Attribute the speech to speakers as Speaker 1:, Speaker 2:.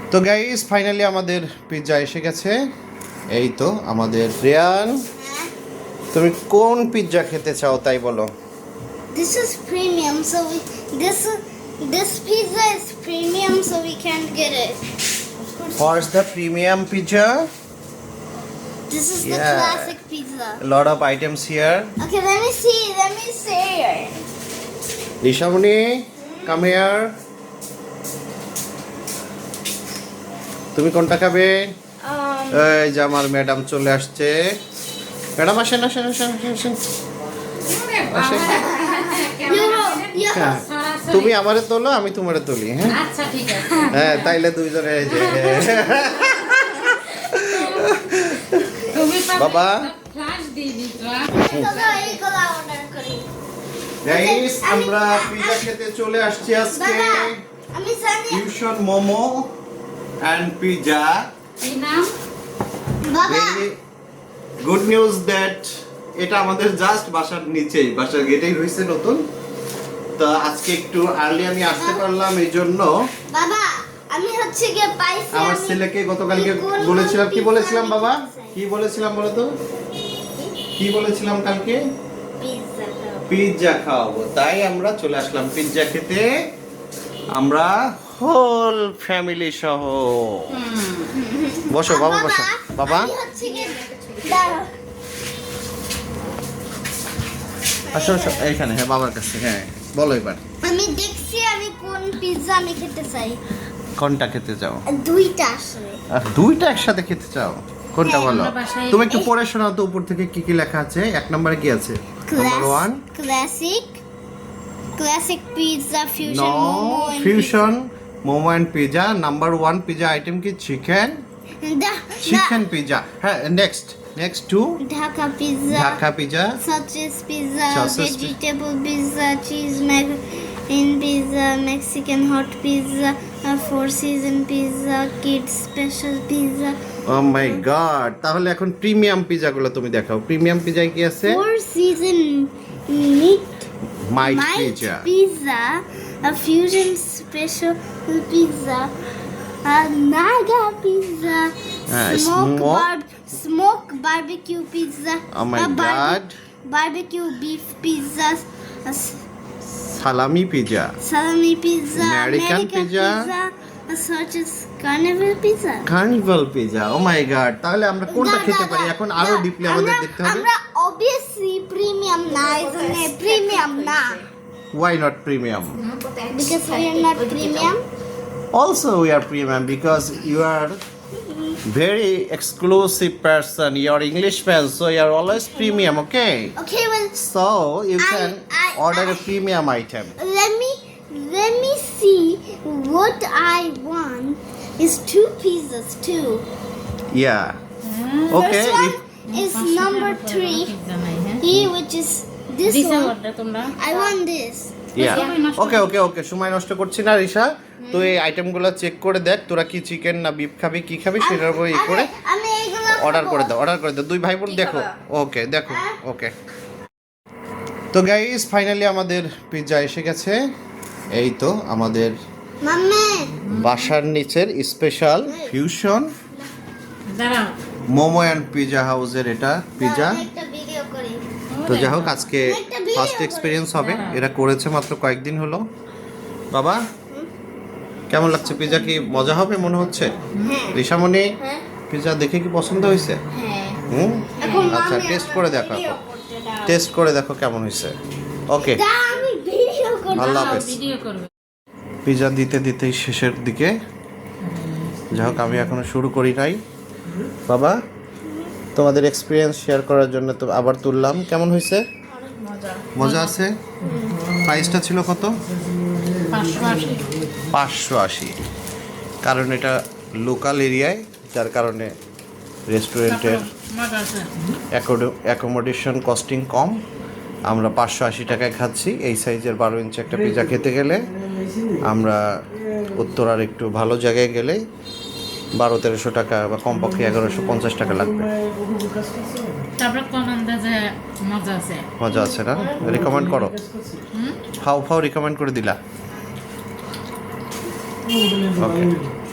Speaker 1: তো guys finally আমাদের pizza এসে গেছে। এই তো আমাদের রিয়ান, তুমি কোন পিৎজা খেতে চাও তাই বলো।
Speaker 2: This is premium, so this pizza is premium, so we can't get it.
Speaker 1: What's the premium pizza?
Speaker 2: This is the
Speaker 1: Yeah.
Speaker 2: classic pizza.
Speaker 1: A lot of items here.
Speaker 2: Okay, let me see. Let me see.
Speaker 1: Rishamuni, come here. তুমি কোনটা খাবে? এই যে আমার madam চলে আসছে। Madam আসেন আসেন আসেন আসেন আসেন। হ্যাঁ, তুমি আমারে তোলো, আমি তোমারে তুলি। হ্যাঁ
Speaker 3: আচ্ছা ঠিক আছে।
Speaker 1: হ্যাঁ, তাইলে দুইজনে এই যে বাবা
Speaker 3: ফ্ল্যাশ দিয়ে দিতো।
Speaker 1: গাইস আমরা পিৎজা খেতে চলে আসছি আজকে।
Speaker 2: আমি জানি
Speaker 1: ফিউশন মোমো এন্ড পিৎজা।
Speaker 3: এই নাম
Speaker 2: বাবা
Speaker 1: ভেরি গুড নিউজ দ্যাট এটা আমাদের জাস্ট বাসার নিচেই, বাসার গেটেই রয়েছে নতুন। তো আজকে একটু আর্লি আমি আসতে পারলাম, এই জন্য
Speaker 2: বাবা আমি হচ্ছে গিয়ে পাইছি।
Speaker 1: আমার
Speaker 2: আমি
Speaker 1: ছেলেকে গতকালকে
Speaker 2: কোন
Speaker 1: বলেছিলাম, কি
Speaker 2: pizza
Speaker 1: বলেছিলাম
Speaker 2: আমি
Speaker 1: বাবা,
Speaker 2: খেতে চাই।
Speaker 1: কি বলেছিলাম বলো তো, কি বলেছিলাম কালকে?
Speaker 2: পিৎজা খাবো।
Speaker 1: পিৎজা খাওয়াবো, তাই আমরা চলে আসলাম পিৎজা খেতে। আমরা হোল ফ্যামিলি সহ। বসো বাবা, বসো বাবা।
Speaker 2: আমি হচ্ছে গিয়ে দাঁড়াও।
Speaker 1: আসো আসো এইখানে, হ্যাঁ বাবার কাছে। হ্যাঁ বলো এবার
Speaker 2: আমি দেখছি আমি কোন পিৎজা আমি খেতে চাই।
Speaker 1: কোনটা খেতে চাও?
Speaker 2: দুইটা আসলে।
Speaker 1: দুইটা একসাথে খেতে চাও? কোনটা
Speaker 2: হ্যাঁ,
Speaker 1: বলো?
Speaker 3: আমরা বাসায়-
Speaker 1: তুমি একটু পড়ে শোনাও তো উপর থেকে কি কি লেখা আছে। এক নম্বরে কি আছে? Number 1
Speaker 2: classic pizza fusion
Speaker 1: no
Speaker 2: momo
Speaker 1: fusion momo and pizza. Number 1 pizza item কি? Chicken pizza. হ্যাঁ next 2
Speaker 2: Dhaka pizza,
Speaker 1: Dhaka pizza,
Speaker 2: sausage pizza,
Speaker 1: Sausage
Speaker 2: vegetable pizza, cheese macaroni pizza, Mexican hot pizza, four season pizza, kids special pizza.
Speaker 1: Oh my God, তাহলে এখন premium pizza গুলো তুমি দেখাও। Premium পিৎজায় কি আছে?
Speaker 2: Four season meat
Speaker 1: might
Speaker 2: Might
Speaker 1: পিৎজা,
Speaker 2: pizza, a fusion special pizza, a naga pizza,
Speaker 1: smoke-
Speaker 2: smoke barbecue pizza,
Speaker 1: Oh my God.
Speaker 2: barbecue beef pizza,
Speaker 1: salami pizza,
Speaker 2: salami pizza,
Speaker 1: American pizza,
Speaker 2: such as carnival pizza.
Speaker 1: Carnival pizza. Oh my God, তাহলে আমরা কোনটা খেতে পারি এখন? আরো deeply আমাদের দেখতে হবে।
Speaker 2: আমরা obviously premium না, premium না,
Speaker 1: Why not premium?
Speaker 2: because we are not premium.
Speaker 1: Also we are premium because you are very exclusive person. You are English fan, so you are always premium, okay?
Speaker 2: Okay, well,
Speaker 1: So you
Speaker 2: I-
Speaker 1: can
Speaker 2: I-
Speaker 1: order a premium item.
Speaker 2: let me see what I want is 2 pizzas too.
Speaker 1: Yeah. Okay.
Speaker 2: First one is number 3, which is this one.
Speaker 3: তোমরা
Speaker 2: I want this.
Speaker 1: ওকে সময় নষ্ট করছি না রিশা। তো এই আইটেমগুলো check করে দেখ, তোরা কি চিকেন না বিফ খাবি, কি খাবি সেটার উপর ই করে
Speaker 2: আমি এগুলো
Speaker 1: অর্ডার
Speaker 2: খাবো।
Speaker 1: করে দাও। দুই ভাই বোন দেখো। ওকে দেখো। ওকে তো গাইস ফাইনালি আমাদের পিৎজা এসে গেছে। এই তো আমাদের
Speaker 2: মাম্মা
Speaker 1: বাসার নিচের স্পেশাল ফিউশন
Speaker 3: দাঁড়াও।
Speaker 1: মোমো অ্যান্ড পিৎজা হাউসের এটা পিৎজা।
Speaker 2: আমি একটা ভিডিও করি।
Speaker 1: তো যাই হোক আজকে ফার্স্ট এক্সপিরিয়েন্স হবে, এরা করেছে মাত্র কয়েকদিন হলো। বাবা কেমন লাগছে পিৎজা? কি মজা হবে মনে হচ্ছে?
Speaker 2: হ্যাঁ
Speaker 1: ঋষামণি
Speaker 2: হ্যাঁ
Speaker 1: পিৎজা দেখে কি পছন্দ হয়েছে?
Speaker 2: হ্যাঁ।
Speaker 1: হুম
Speaker 2: এখন
Speaker 1: আচ্ছা
Speaker 2: মাম্মি
Speaker 1: টেস্ট
Speaker 2: আমার
Speaker 1: করে দেখো,
Speaker 2: ভিডিও করতে দাও।
Speaker 1: টেস্ট করে দেখো কেমন হয়েছে। ওকে
Speaker 2: দা, আমি ভিডিও করব।
Speaker 1: আল্লাহ হাফেজ।
Speaker 3: ভিডিও করবে।
Speaker 1: পিৎজা দিতেই শেষের দিকে। যাই হোক আমি এখনো শুরু করি নাই। বাবা তোমাদের এক্সপিরিয়েন্স শেয়ার করার জন্য তো আবার তুললাম। কেমন হয়েছে? মজা আছে। প্রাইসটা ছিল কত?
Speaker 3: 580।
Speaker 1: 580। কারণ এটা লোকাল এরিয়ায়, যার কারণে রেস্টুরেন্টের
Speaker 3: মজা আছে।
Speaker 1: অ্যাকোমোডেশন কস্টিং কম। আমরা 580 টাকায় খাচ্ছি। এই সাইজের 12 ইঞ্চি একটা পিৎজা খেতে গেলে আমরা উত্তরার একটু ভালো জায়গায় গেলে 1200-1300 টাকা বা কমপক্ষে 1150 টাকা লাগবে।
Speaker 3: তারপরে কম আন্দাজে মজা আছে।
Speaker 1: মজা আছে না? রিকমেন্ড করো। ফাও রিকমেন্ড করে দিলা। ওকে